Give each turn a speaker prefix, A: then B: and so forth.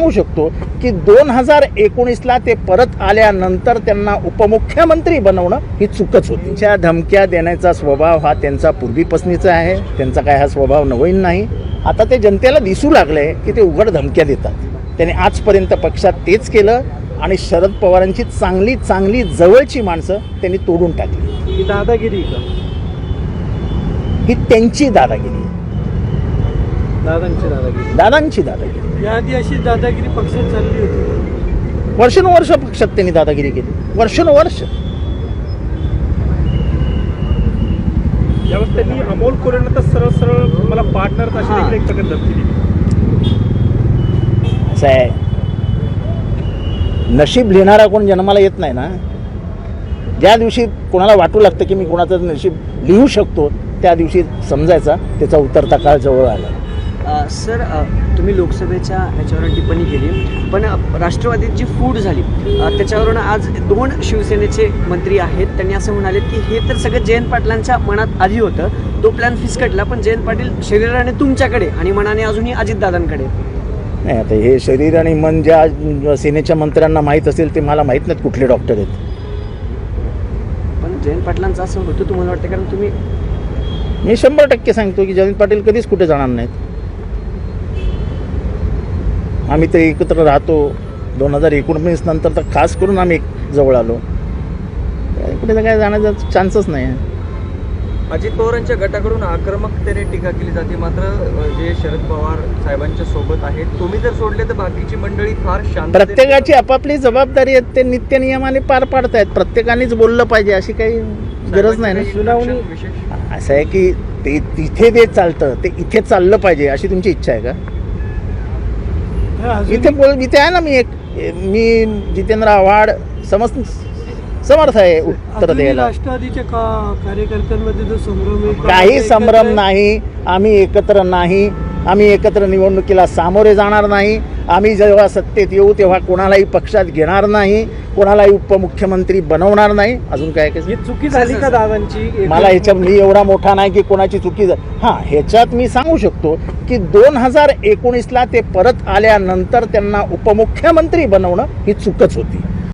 A: सांगू शकतो की 2019ला ते परत आल्यानंतर त्यांना उपमुख्यमंत्री बनवणं ही चूकच होती. त्या धमक्या देण्याचा स्वभाव हा त्यांचा पूर्वीपासूनचा आहे. त्यांचा काय हा स्वभाव नवीन नाही. आता ते जनतेला दिसू लागले की ते उघड धमक्या देतात. त्यांनी आजपर्यंत पक्षात तेच केलं आणि शरद पवारांची चांगली चांगली जवळची माणसं त्यांनी तोडून टाकली.
B: ही दादागिरी का?
A: ही त्यांची दादागिरी,
B: दादांची
A: दादागिरी.
B: याआधी अशी दादागिरी पक्षात चालली होती.
A: वर्षानुवर्ष पक्षात त्यांनी दादागिरी केली, वर्षानुवर्ष.
B: यावेळेस त्यांनी अमोल कोरेंना तर सरळ सरळ मला पार्टनर अशी देखील एक प्रकारे धमकी दिली.
A: असं आहे, नशीब लिहिणारा कोण जन्माला येत नाही ना. ज्या दिवशी कोणाला वाटू लागतं की मी कोणाचं नशीब लिहू शकतो त्या दिवशी समजायचा त्याचा उतरता काळ जवळ आला.
C: सर, तुम्ही लोकसभेच्या ह्याच्यावर टिप्पणी केली, पण राष्ट्रवादीची फूट झाली त्याच्यावरून आज 2 शिवसेनेचे मंत्री आहेत. त्यांनी असं म्हणाले की हे तर सगळं जयंत पाटलांच्या मनात आधी होतं, तो प्लॅन फिसकटला, पण जयंत पाटील शरीराने तुमच्याकडे आणि मनाने अजूनही अजितदादांकडे.
A: नाही, आता हे शरीर आणि मन ज्या सेनेच्या मंत्र्यांना माहीत असेल ते मला माहीत नाहीत कुठले डॉक्टर आहेत.
C: पण जयंत पाटलांचं असं होतं तुम्हाला वाटतं? कारण तुम्ही,
A: मी 100% सांगतो की जयंत पाटील कधीच कुठे जाणार नाहीत. आम्ही तर एकत्र राहतो. 2019 नंतर तर खास करून आम्ही जवळ आलो. कुठे तर काय जाण्याचा चान्सच नाही आहे.
D: अजित पवारांच्या गटाकडून आक्रमकतेने टीका केली जाते, मात्र जे शरद पवार साहेबांच्या सोबत आहेत, तुम्ही जर सोडले तर बाकीची मंडळी फार शांत.
A: प्रत्येकाची आपापली जबाबदारी आहे, ते नित्यनियमाने पार पाडतायत. प्रत्येकानेच बोललं पाहिजे अशी काही गरज नाही ना.
D: सुनावणी
A: असं आहे की ते तिथे ते चालतं ते इथे चाललं पाहिजे अशी तुमची इच्छा आहे का? इथे आहे ना. मी जितेंद्र आव्हाड समर्थ आहे उत्तर द्यायला.
B: राष्ट्रवादीच्या कार्यकर्त्यांमध्ये जो संभ्रम आहे,
A: काही संभ्रम नाही. आम्ही एकत्र नाही. आम्ही एकत्र निवडणुकीला सामोरे जाणार नाही. आम्ही जेव्हा सत्तेत येऊ तेव्हा कोणालाही पक्षात घेणार नाही, कोणालाही उपमुख्यमंत्री बनवणार नाही. अजून काय
B: ही चुकी झाली का दादांची?
A: मला ह्याच्यात मी एवढा मोठा नाही की कोणाची चुकी. हां, ह्याच्यात मी सांगू शकतो की 2019ला ते परत आल्यानंतर त्यांना उपमुख्यमंत्री बनवणं ही चूकच होती.